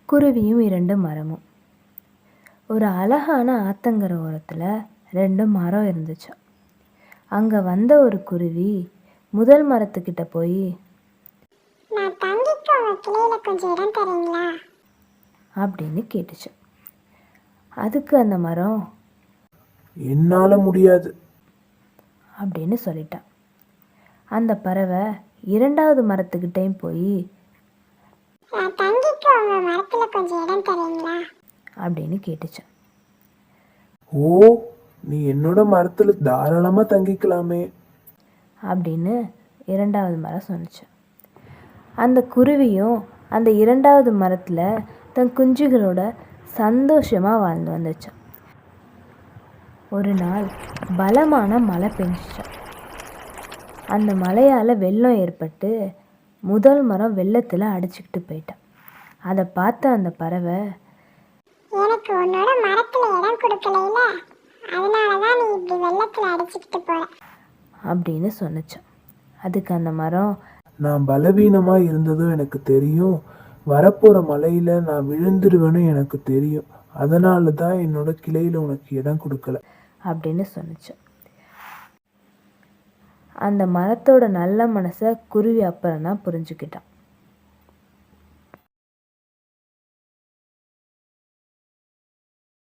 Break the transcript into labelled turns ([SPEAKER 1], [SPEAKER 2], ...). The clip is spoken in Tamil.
[SPEAKER 1] குருவியும் 2 மரமும். ஒரு அழகான ஆத்தங்கரை ஓரத்தில் 2 மரம் இருந்துச்சு. அங்கே வந்த ஒரு குருவி முதல் மரத்துக்கிட்ட போய்,
[SPEAKER 2] நான் தங்கிக்க உங்க கிளையில கொஞ்சம் இடம் தரீங்களா
[SPEAKER 1] அப்படின்னு கேட்டுச்சு. அதுக்கு அந்த மரம்,
[SPEAKER 3] என்னால முடியாது
[SPEAKER 1] அப்படின்னு சொல்லிட்டான். அந்த பறவை 2வது மரத்துக்கிட்டையும் போய்,
[SPEAKER 2] நான் தங்கிக்க உங்க மரத்துல கொஞ்சம் இடம் தரீங்களா
[SPEAKER 1] அப்படின்னு கேட்டுச்சு.
[SPEAKER 3] ஓ, நீ என்னோட மரத்துல தாராளமா தங்கிக்கலாமே
[SPEAKER 1] அப்படின்னு 2வது மரம் சொன்னிச்சு. அந்த குருவியும் அந்த 2வது மரத்தில் தன் குஞ்சுகளோட சந்தோஷமாக வாழ்ந்து வந்துச்சு. ஒரு நாள் பலமான மழை பெஞ்சிச்சு. அந்த மழையால் வெள்ளம் ஏற்பட்டு முதல் மரம் வெள்ளத்தில் அடிச்சுக்கிட்டு போயிட்டான். அதை பார்த்த அந்த பறவை,
[SPEAKER 2] எனக்கு உன்னோட மரத்துல இடம் கொடுக்கல, அதனாலதான் நீ இப்படி வெள்ளத்துல அடிச்சுக்கிட்டு போற
[SPEAKER 1] அப்படின்னு சொன்னிச்சு. அதுக்கு அந்த மரம்,
[SPEAKER 3] நான் பலவீனமா இருந்ததும் எனக்கு தெரியும், வரப்போற மழையில நான் விழுந்துருவேன்னு எனக்கு தெரியும், அதனால தான் என்னோட கிளையில உனக்கு இடம் கொடுக்கல
[SPEAKER 1] அப்படின்னு சொன்னிச்சு. அந்த மரத்தோட நல்ல மனசை குருவி அப்புறம் தான் புரிஞ்சுக்கிட்டான்.